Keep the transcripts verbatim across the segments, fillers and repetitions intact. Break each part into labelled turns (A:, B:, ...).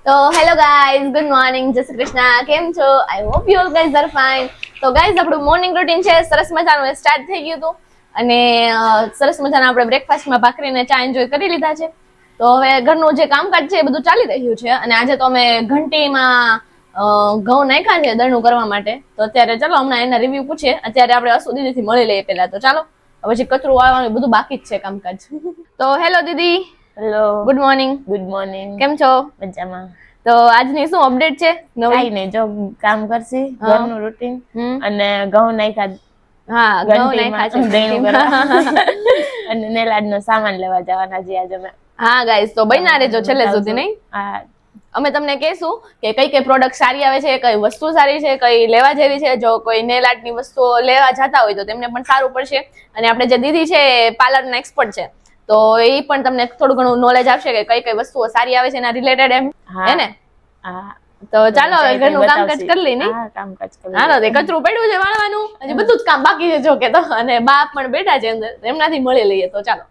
A: તો hello guys, good morning, જય શ્રી કૃષ્ણ. કેમ છો? I hope you all guys are fine. તો ગાઈઝ આપણું મોર્નિંગ રૂટીન છે સરસ મજાનું સ્ટાર્ટ થઈ ગયું હતું અને સરસ મજાના આપણે બ્રેકફાસ્ટમાં ભાખરીને ચા એન્જોય કરી લીધા છે. તો હવે ઘરનું જે કામકાજ છે એ બધું ચાલી રહ્યું છે અને આજે તો અમે ઘંટીમાં ઘઉં નાખ્યા છે દળનું કરવા માટે. તો અત્યારે ચાલો હમણાં એના રિવ્યુ પૂછીએ. અત્યારે આપણે અસુ દીદીથી મળી લઈએ પેલા. તો ચાલો પછી કચરું વાળવાનું બધું બાકી જ છે કામકાજ. તો હેલો દીદી.
B: Hello,
A: good morning.
B: Good morning.
A: કેમ છો?
B: મજામાં.
A: તો આજની શું અપડેટ છે?
B: કઈ નહીં, જો કામ કરશી ઘરનું રૂટીન અને ઘઉં નાખ્યા.
A: હા, ઘઉં નાખ્યા છે
B: દળનું કરવા અને નેલાડનો સામાન લેવા જવાના છે આજે અમે.
A: હા ગાઈસ, તો બન્યા રહેજો છેલ્લે સુધી. નહીં,
B: હા,
A: અમે તમને કહેશું કે કઈ કઈ પ્રોડક્ટ સારી આવે છે, કઈ વસ્તુ સારી છે, કઈ લેવા જેવી છે. જો કોઈ નેલ આર્ટની વસ્તુઓ લેવા જતા હોય તો તેમને પણ સારું પડશે. અને આપણે જે દીદી છે પાર્લરના એક્સપર્ટ છે, તો એ પણ તમને થોડું ઘણું નોલેજ આપશે કે કઈ કઈ વસ્તુઓ સારી આવે છે એના રિલેટેડ એમ. હે ને?
B: હા.
A: તો ચાલો હવે ઘરનું કામકાજ કરી લઈ. નહીં,
B: હા, કામકાજ કરી.
A: હાલો, તે કચરું પડ્યું છે વાળવાનું, હજી બધું જ કામ બાકી છે જો કે. તો અને બા પણ બેઠા છે અંદર, એમનાથી મળી લઈએ. તો ચાલો.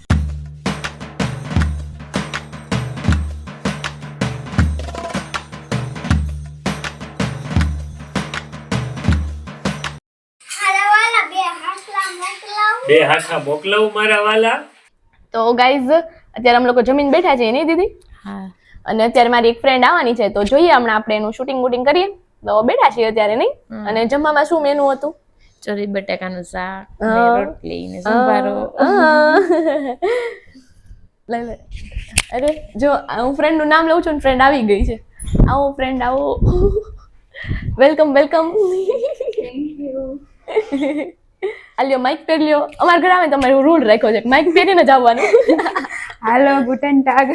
C: બે હાથા મોકલાવું મારા વાલા.
A: તો ગાઈઝ અત્યારે અમે લોકો જમીન બેઠા છીએ, નહીં દીદી?
B: હા.
A: અને અત્યારે મારી એક ફ્રેન્ડ આવવાની છે, તો જોઈએ હમણાં આપણે એનું શૂટિંગ વૂટિંગ કરીએ. તો બેઠા છીએ અત્યારે. નહીં, અને જમવામાં શું મેનુ હતું?
B: ચોરી બટાકાનું શાક ને રોટલી ને સંભારો.
A: લે લે. અરે જો હું ફ્રેન્ડ નું નામ લઉં છું ને ફ્રેન્ડ આવી ગઈ છે. આવો ફ્રેન્ડ, આવો. Welcome welcome. Thank you. આલ્યો માઇક પહેરી લ્યો. અમારા ઘરે આવે તમારે રૂલ રાખ્યો છે માઇક પહેરીને જ આવવાનું.
D: હાલો, ગુટન ટાગ.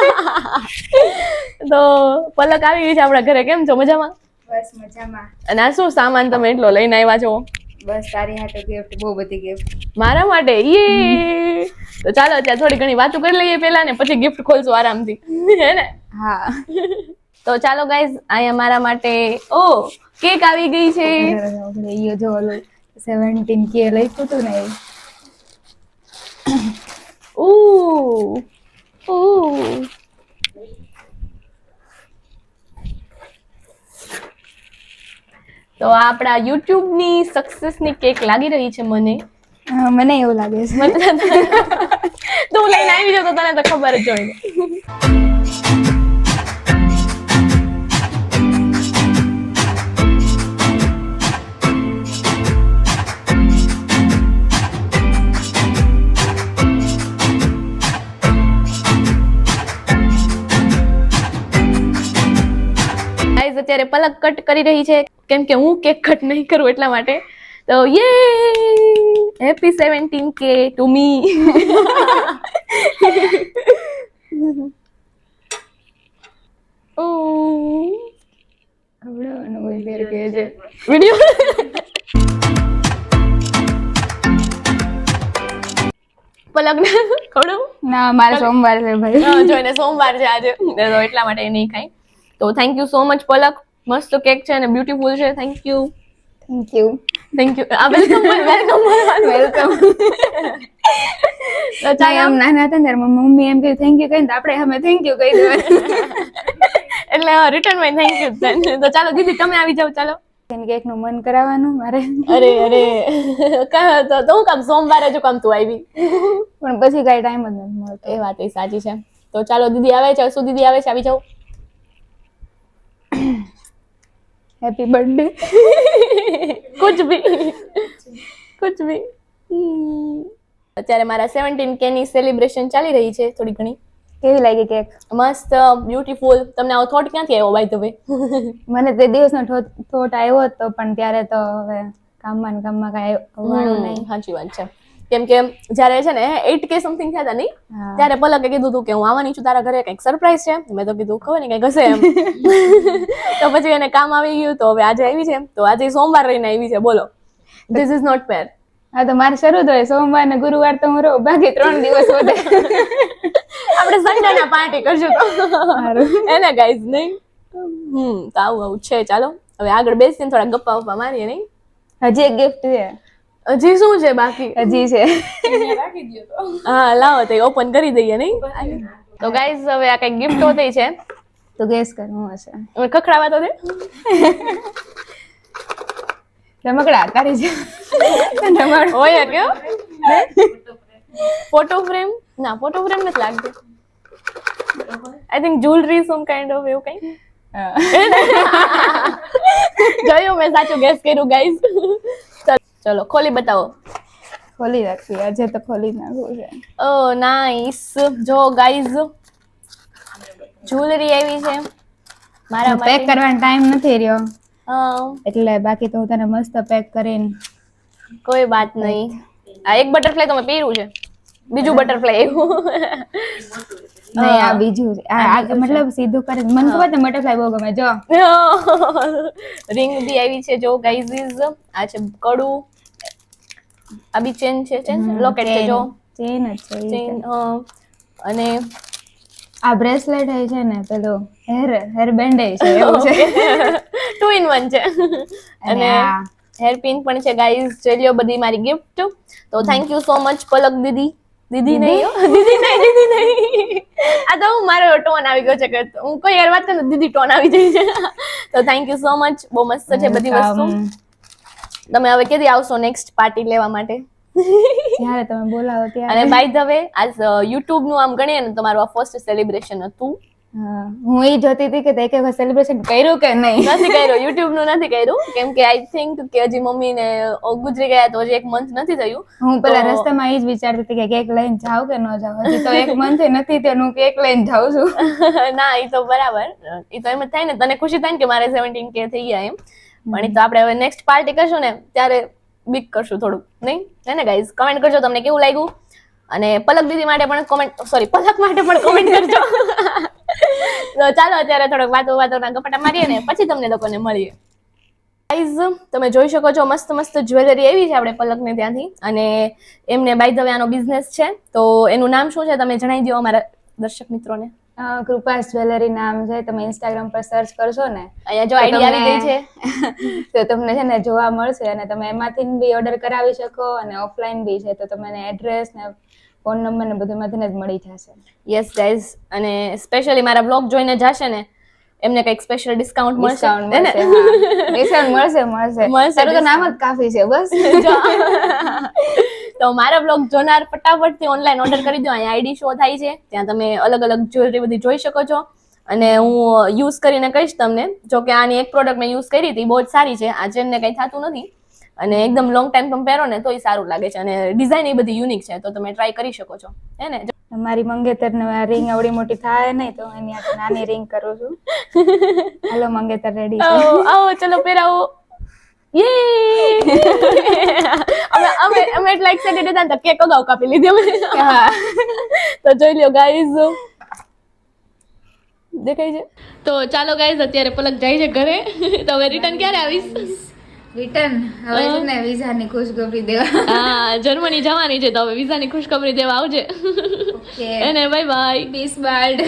A: તો પલક આવી ગઈ છે આપણા ઘરે. કેમ છો? મજામાં?
D: બસ મજામાં.
A: અને આ શું સામાન તમે એટલો લઈને આવ્યા છો?
D: બસ તારી હાટો ગિફ્ટ, બહુ બધી ગિફ્ટ
A: મારા માટે. યે. તો ચાલો અત્યારે થોડી ઘણી વાતો કરી લઈએ પેલા ને પછી ગિફ્ટ ખોલશું આરામથી. હે ને?
D: હા.
A: તો ચાલો ગાઈઝ, અહીંયા મારા માટે ઓ કેક આવી ગઈ છે.
D: ઈયો જો ઓલું સેવન્ટીન કે લખ્યું હતું ને એ.
A: ઉ ઉ તો આપણા યુટ્યુબ ની સક્સેસ ની કેક લાગી રહી છે મને.
D: હા, મને એવું લાગે છે.
A: તું લઈને આવી જાવ તો તને તો ખબર જ હોય. અત્યારે પલક કટ કરી રહી છે કેમ કે હું કેક કટ નહીં કરું એટલા માટે. તો યે, હેપી સેવન્ટીન કે ટુ મી. ઓ
D: આવડવાનું હોય ફેર કે છે
A: વિડિયો. પલક ને ખવડાવું?
D: ના, મારે સોમવાર છે ભાઈ.
A: હા, જો એને સોમવાર છે આજે, તો એટલા માટે એ નહીં ખાય. તો thank you so much Palak. મસ્ત કેક છે અને બ્યુટીફુલ છે. Thank you.
D: Thank you.
A: Thank you. આ વેલકમ વેલકમ
D: વેલકમ.
A: તો ચાલો
D: આમ નાના હતા ને ત્યારે મમ્મી એમ કહ્યું થેન્ક યુ કહીને આપણે અમે થેન્ક યુ કહી દેવાનું.
A: એટલે રિટર્ન માં થેન્ક યુ. તો ચાલો દીદી તમે આવી જાવ. ચાલો.
D: કેક નું મન કરાવવાનું મારે.
A: અરે અરે તો તો હું કામ સોમવારે જો કામ તું આવી,
D: પણ પછી કઈ ટાઈમ જ નથી મળતો.
A: એ વાત એ સાચી છે. તો ચાલો દીદી આવે છે. શું દીદી આવે છે? આવી જાવ.
D: Happy birthday.
A: કુછ ભી કુછ ભી. અત્યારે મારા સેવન્ટીન કે ની સેલિબ્રેશન ચાલી રહી છે થોડી ઘણી.
D: કેવી લાગી કેક?
A: મસ્ત, બ્યુટીફુલ. તમને આવો થોટ ક્યાંથી આવ્યો બાય ધ વે?
D: મને તે દિવસનો થોટ આવ્યો હતો પણ ત્યારે તો હવે કામમાં ને કામમાં કઈ આવવાનું નહીં.
A: સાચી વાત છે. કેમ કે જયારે છે ને એટ કે સમથિંગ થયા હતા નહીં, ત્યારે પલકે કીધું હતું કે હું આવવાની છું તારા ઘરે, કઈક સરપ્રાઈઝ છે. મેં તો કીધું ખબર ને કઈક હશે એમ. તો પછી એને કામ આવી ગયું તો હવે આજે આવી છે. તો આજે સોમવાર રહીને આવી છે. બોલો, ધીસ ઇઝ નોટ ફેર.
D: હા, તો મારે શરૂ થાય સોમવાર ને ગુરુવાર તો હું રહું, બાકી ત્રણ દિવસ વધે.
A: આપણે સન્ડે ના પાર્ટી કરશું તો એને ગાઈઝ. નહીં, હમ તો આવું આવું છે. ચાલો હવે આગળ બેસીને થોડા ગપ્પા વપ્પા મારીએ. નહીં,
D: હજી એક ગિફ્ટ છે.
A: હજી શું છે બાકી?
D: હજી છે.
A: હા લાવો તો ઓપન કરી દઈએ. નહીં તો ગાઈઝ હવે આ કઈ ગિફ્ટ હોતી છે
D: તો ગેસ કર હું હશે.
A: હવે ખખડાવા તો દે.
D: રમકડા તારી છે. રમકડા
A: હોય કયો ફોટો ફ્રેમ ના ફોટો ફ્રેમ નથી લાગતું. I think jewellery some kind of એવું કઈ. જોયું મેં સાચું ગેસ કર્યું ગાઈઝ. ચલો ખોલી બતાવો.
D: ખોલી રાખવી આજે તો ખોલી નાખવું છે.
A: Oh nice. જો ગાઈઝ જ્વેલરી આવી છે મારા
D: પેક
A: માટે.
D: કરવાનો ટાઈમ નથી રહ્યો
A: હા,
D: એટલે બાકી તો હું તને મસ્ત પેક કરીને
A: કોઈ વાત નહીં. આ એક બટરફ્લાય તો મેં પહેર્યું છે, બીજું બટરફ્લાય આવ્યું.
D: નહીં આ બીજું છે. આ આ મતલબ સીધું કરે મને ખબર છે બટરફ્લાય બહુ ગમે જો.
A: રિંગ બી આવી છે જો ગાઈઝ. આ છે કડું. આ બી ચેન છે, ચેન લોકેટ છે જો.
D: ચેન જ છે ઈ
A: ચેન
D: તો.
A: અને
D: આ બ્રેસલેટ છે ને પેલું હેર હેર બેન્ડ છે એવું છે.
A: ટુ ઇન વન છે.
D: અને
A: અને
D: આ
A: હેર પિન પણ છે ગાઈઝ. ચલ્યો બધી મારી ગિફ્ટ. તો thank you so much Palak દીદી. દીદી નહીં હો, દીદી નહીં દીદી નહીં. આ તો હું મારો ટોન આવી ગયો છે કે હું કોઈ યાર વાત કરું દીદી ટોન આવી જાય છે. તો થેન્ક યુ સો મચ. બહુ મસ્ત છે બધી વસ્તુ. તમે હવે કેદી આવશો નેક્સ્ટ પાર્ટી લેવા માટે?
D: જ્યારે તમે બોલાવો ત્યારે.
A: અને બાય ધ વે આજ યુટ્યુબ નું આમ ગણીએ ને તમારું આ ફર્સ્ટ સેલિબ્રેશન હતું.
D: હા, હું એ જોતી હતી કે તે એક વખત સેલિબ્રેશન કર્યું કે નહીં.
A: નથી કર્યું, યુટ્યુબ નું નથી કર્યું કેમ કે આઈ થિંક કે હજી મમ્મી ને ગુજરી ગયા તો હજી એક મંથ નથી થયું.
D: હું પેલા
A: તો-
D: રસ્તામાં એ જ વિચારતી હતી કે કેક લઈને જાવ કે ન જાવ. હજી તો એક મંથ નથી તો હું કેક લઈને જાઉં છું.
A: ના એ તો બરાબર. એ તો એમ જ થાય ને, તને ખુશી થાય ને કે મારે સેવન્ટીન કે થઈ ગયા એમ. પણ એ તો આપણે હવે નેક્સ્ટ પાર્ટી કરશું ને ત્યારે બિગ કરશું થોડુંક, નહીં હે ને ગાઈઝ? કમેન્ટ કરજો તમને કેવું લાગ્યું. અને પલક દીદી માટે પણ કોમેન્ટ સોરી પલક માટે પણ કોમેન્ટ કરજો. તો ચાલો અત્યારે થોડોક વાતો વાતોના ગપાટા મારીએ ને પછી તમને લોકોને મળીએ. ગાઈઝ તમે જોઈ શકો છો મસ્ત મસ્ત જ્વેલરી એવી છે આપણે પલકને ત્યાંથી. અને એમને બાય ધ વે આનો બિઝનેસ છે તો એનું નામ શું છે તમે જણાવી દો અમારા દર્શક મિત્રોને.
D: અ, કૃપાસ જ્વેલરી નામ છે. તમે ઇન્સ્ટાગ્રામ પર સર્ચ કરશો ને
A: અહીંયા જો આઈડી આવી ગઈ છે.
D: તો તમને છે ને જોવા મળશે અને તમે એમાંથી બી ઓર્ડર કરાવી શકો અને ઓફલાઈન બી છે તો તમને એડ્રેસ ને ફોન નંબર ને બધું એમાંથી જ મળી જશે.
A: Yes guys. અને સ્પેશિયલી મારા બ્લોગ જોઈને જશે ને એમને કંઈક સ્પેશિયલ ડિસ્કાઉન્ટ મળશે
D: ડિસ્કાઉન્ટ
A: હે ને?
D: મળશે. હા ડિસ્કાઉન્ટ મળશે મળશે
A: મળશે
D: તારું તો નામ જ કાફી છે બસ.
A: તો મારા બ્લોગ જોનાર ફટાફટથી ઓનલાઈન ઓર્ડર કરી દો. અહીંયા આઈડી શો થાય છે, ત્યાં તમે અલગ અલગ જ્વેલરી બધી જોઈ શકો છો. અને હું યુઝ કરીને કહીશ તમને. જો કે આની એક પ્રોડક્ટ મેં યુઝ કરી હતી, બહુ જ સારી છે. આ ચેનને કંઈ થતું નથી અને એકદમ લોંગ ટાઈમ તમે પહેરો ને તોય સારું લાગે છે. અને ડિઝાઇન એ બધી યુનિક છે તો તમે ટ્રાય કરી શકો છો હે ને?
D: મારી મંગેતર ને રિંગ આવડી મોટી થાય નહીં તો એની આ નાની રિંગ કરું છું. હાલો મંગેતર રેડી છે.
A: આવો આવો ચલો પહેરાવો. યે અમે અમે અમે એટલા એક્સાઇટેડ હતા ને તો કેક અગાઉ કાપી લીધી અમે.
D: હા
A: તો જોઈ લ્યો ગાઈઝ. દેખાય છે? તો ચાલો ગાઈઝ અત્યારે પલક જાય છે ઘરે. તો હવે રિટર્ન ક્યારે આવીશ?
D: રિટર્ન હવે છે ને વિઝાની ખુશખબરી દેવા.
A: હા જર્મની જવાની છે તો હવે વિઝાની ખુશખબરી દેવા આવજે.
D: ઓકે
A: એને બાય બાય.
D: Piece barred.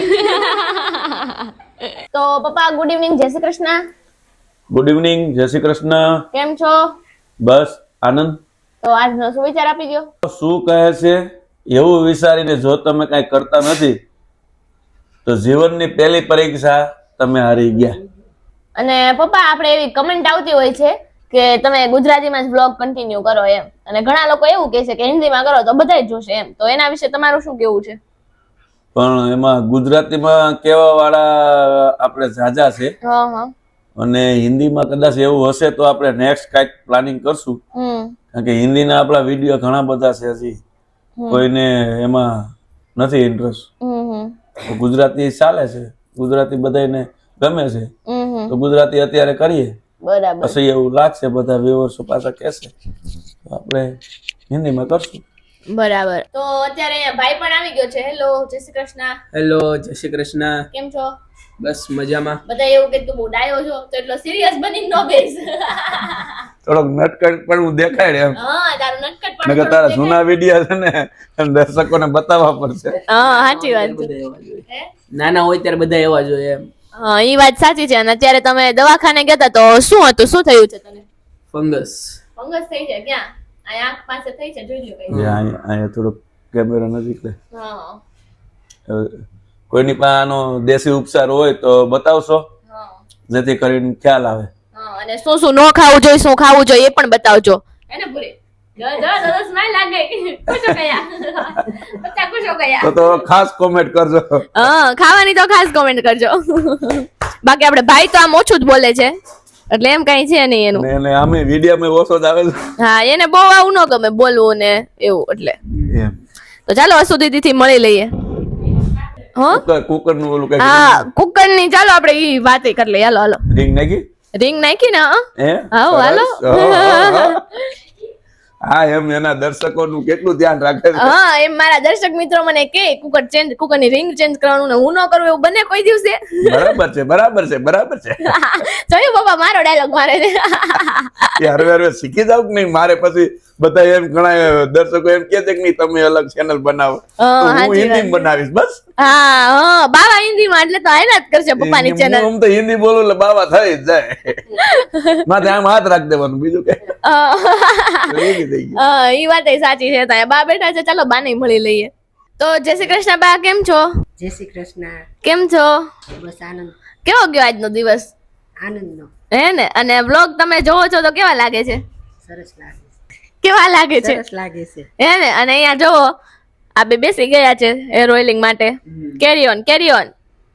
A: તો પપ્પા ગુડ ઇવનિંગ, જય શ્રી કૃષ્ણ.
E: ગુડ ઇવનિંગ, જય શ્રી કૃષ્ણ.
A: કેમ છો?
E: બસ આનંદ.
A: તો આજનો શું વિચાર આપી ગયો?
E: શું કહે છે એવું વિચારીને જો તમે કઈ કરતા નથી તો જીવનની પહેલી પરીક્ષા તમે હારી ગયા.
A: અને પપ્પા આપણે એવી કમેન્ટ આવતી હોય છે કે તમે ગુજરાતીમાં જ બ્લોગ કન્ટિન્યુ કરો એમ, અને ઘણા લોકો એવું કહે છે કે હિન્દીમાં કરો તો બધાય જોશે એમ. તો એના વિશે તમારું શું કેવું છે?
E: પણ એમાં ગુજરાતીમાં કેવા વાળા આપણે ઝાઝા છે
A: હા હા
E: અને હિન્દીમાં કદાચ એવું હશે તો આપણે નેક્સ્ટ કાંઈક પ્લાનિંગ કરશું.
A: હમ
E: કારણ કે હિન્દીના આપણા વિડીયો ઘણા બધા છે, હજી કોઈને એમાં નથી ઇન્ટરેસ્ટ.
A: હમ હમ
E: તો ગુજરાતી ચાલે છે, ગુજરાતી બધાને ગમે છે
A: હમ હમ
E: તો ગુજરાતી અત્યારે કરીએ.
A: બરાબર.
E: પછી એવું લાગશે બધા વ્યુઅર્સો પાછા કહેશે તો આપણે હિન્દીમાં કરશું.
A: બરાબર. તો અત્યારે અહીંયા ભાઈ પણ આવી ગયો છે. હેલો, જય શ્રી કૃષ્ણ.
F: હેલો, જય શ્રી કૃષ્ણ.
A: કેમ છો?
F: બસ મજામાં.
A: બધા એવું કે તું બહુ ડાયો છો તો એટલો સિરિયસ બની ન બેસ.
E: થોડોક નટકટ પણ હું દેખાડે એમ.
A: હા તારું નટકટ પણ
E: નકર તારા જૂના વિડીયો છે ને એમ દર્શકોને બતાવવા પડશે.
A: હા સાચી વાત છે.
F: બધા એવા જોઈએ. નાના હોય ત્યારે બધા એવા જોઈએ એમ.
A: હા એ વાત સાચી છે. અને અત્યારે તમે દવાખાને ગયા હતા તો શું હતું, શું થયું છે તને?
F: ફંગસ.
A: ફંગસ થઈ છે? ક્યાં? આ આંખ પાસે થઈ છે, જોઈ લ્યો કઈ.
E: અહીંયા અહીંયા થોડોક કેમેરા નજીક લે.
A: હા
E: હવે કોઈની પાસે આનો દેશી ઉપચાર હોય તો બતાવશો, જેથી કરીને ખ્યાલ આવે.
A: હા, અને શું શું ન ખાવું જોઈએ, શું ખાવું જોઈએ એ પણ બતાવજો. એને પૂરી જો જો દસ સ્માઈલ લાગે. ખુશો કયા બચ્ચા ખુશો કયા.
E: તો તો ખાસ કોમેન્ટ કરજો.
A: હા, ખાવાની તો ખાસ કોમેન્ટ કરજો. બાકી આપણે ભાઈ તો આમ ઓછું જ બોલે છે, એટલે એમ કઈ છે નહીં એનું.
E: ને એને આમે વિડીયોમાં ઓછો જ આવે છે.
A: હા, એને બહુ આવું ન ગમે બોલવું ને એવું, એટલે
E: એમ
A: તો ચાલો અસુ દીદી થી મળી લઈએ. હા,
E: કુકર કુકર નું ઓલું કઈ
A: હા, કુકર ની ચાલો આપણે ઈ વાત કરી લઈએ. હાલો હાલો,
E: રિંગ નાખી
A: રિંગ નાખી ને.
E: હે
A: હાલો હાલો.
E: હા, એમ એના દર્શકોનું કેટલું ધ્યાન રાખે છે.
A: હા, એમ મારા દર્શક મિત્રો મને કે કુકર ચેન્જ, કુકર ની રિંગ ચેન્જ કરવાનું ને હું ન કરું એવું બને કોઈ દિવસે.
E: બરાબર છે, બરાબર છે, બરાબર છે.
A: જોયું પપ્પા મારો ડાયલોગ મારે છે.
E: એ હરવે હરવે શીખી જાવ કે નહીં. મારે પછી બધા એમ ઘણા દર્શકો એમ કે છે કે નહીં તમે અલગ ચેનલ બનાવો, તો
A: હા,
E: હું
A: સાચી
E: હિન્દી
A: વાત.
E: બનાવીશ બસ.
A: હા હા, બાવા હિન્દી માં એટલે તો આયના જ કરશે પપ્પાની
E: હું
A: ચેનલ.
E: આમ તો હિન્દી બોલું એટલે બાવા થઈ જ જાય. માથે આમ હાથ રાખી દેવાનું, બીજું કઈ એવી થઈ ગયું.
A: હા, ઈ વાત સાચી છે. ત્યાં બા બેઠા છે, ચાલો બા ને મળી લઈએ. તો જય શ્રી કૃષ્ણ બા, કેમ છો?
G: જય શ્રી કૃષ્ણ.
A: કેમ છો?
G: બસ આનંદ
A: કેવો ગયો આજનો દિવસ?
G: આનંદનો.
A: હે ને? અને વ્લોગ તમે જોવો છો તો કેવા લાગે છે?
G: સરસ લાગે છે.
A: કેવા લાગે છે?
G: સરસ લાગે છે.
A: હે ને? અને અહીંયા જોવો આ બે બેસી ગયા છે હેર ઓઇલિંગ માટે. Carry on carry on.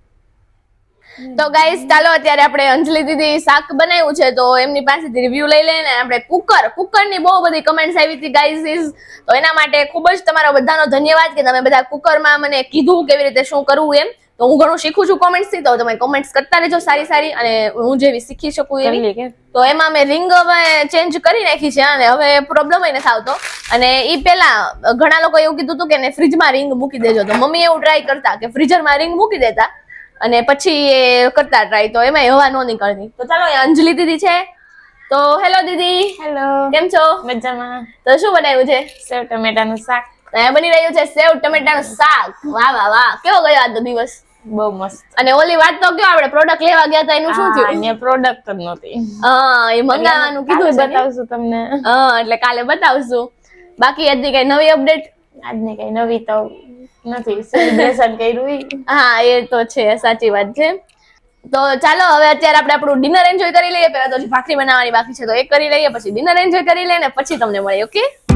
A: તો ગાઈસ ચાલો અત્યારે આપણે અંજલિ દીદી શાક બનાવ્યું છે તો એમની પાસેથી રિવ્યુ લઈ લઈને આપણે કુકર કુકરની બહુ બધી કમેન્ટ્સ આવી હતી ગાઈસ. તો એના માટે ખૂબ જ તમારો બધાનો ધન્યવાદ કે તમે બધા કુકરમાં મને કીધું કેવી રીતે શું કરવું એમ. તો હું ઘણું શીખું છું કોમેન્ટ્સ થી, તો તમે કોમેન્ટ્સ કરતા રહેજો સારી સારી, અને હું જેવી શીખી શકું એવી. તો એમાં મેં રિંગ હવે ચેન્જ કરી નાખી છે અને હવે પ્રોબ્લેમ નથી આવતો. અને ઈ પેલા ઘણા લોકો એવું કીધું હતું કે ફ્રીજમાં રિંગ મૂકી દેજો, તો મમ્મી એવું ટ્રાય કરતા કે ફ્રીઝરમાં રિંગ મૂકી દેતા અને પછી એ કરતા ટ્રાય, તો એમાં હવા નો નીકળતી. તો ચાલો એ અંજલિ દીદી છે. તો હેલો દીદી,
B: હેલો,
A: કેમ છો?
B: મજામાં.
A: તો શું બનાવ્યું છે?
B: સેવ ટમેટાનું શાક.
A: અહીંયા બની રહ્યું છે સેવ ટમેટાનું શાક. વાહ વાહ વાહ, કેવો ગયો આજનો દિવસ?
B: બહુ મસ્ત.
A: અને ઓલી વાત તો કયો, આપણે પ્રોડક્ટ લેવા ગયા હતા એનું શું થયું?
B: અહીંયા પ્રોડક્ટ જ નહોતી.
A: હા, એ મંગાવવાનું કીધું છે ને.
B: બતાવશું તમને.
A: હા, એટલે કાલે બતાવશું. બાકી હજી કઈ નવી અપડેટ?
B: આજની કઈ નવી તો નથી, સેલિબ્રેશન કર્યું ઈ.
A: હા, એ તો છે, સાચી વાત છે. તો ચાલો હવે અત્યારે આપણે આપણું ડિનર એન્જોય કરી લઈએ. પહેલા તો ભાખરી બનાવવાની બાકી છે તો એ કરી લઈએ, પછી ડિનર એન્જોય કરી લઈએ ને પછી તમને મળીએ. ઓકે?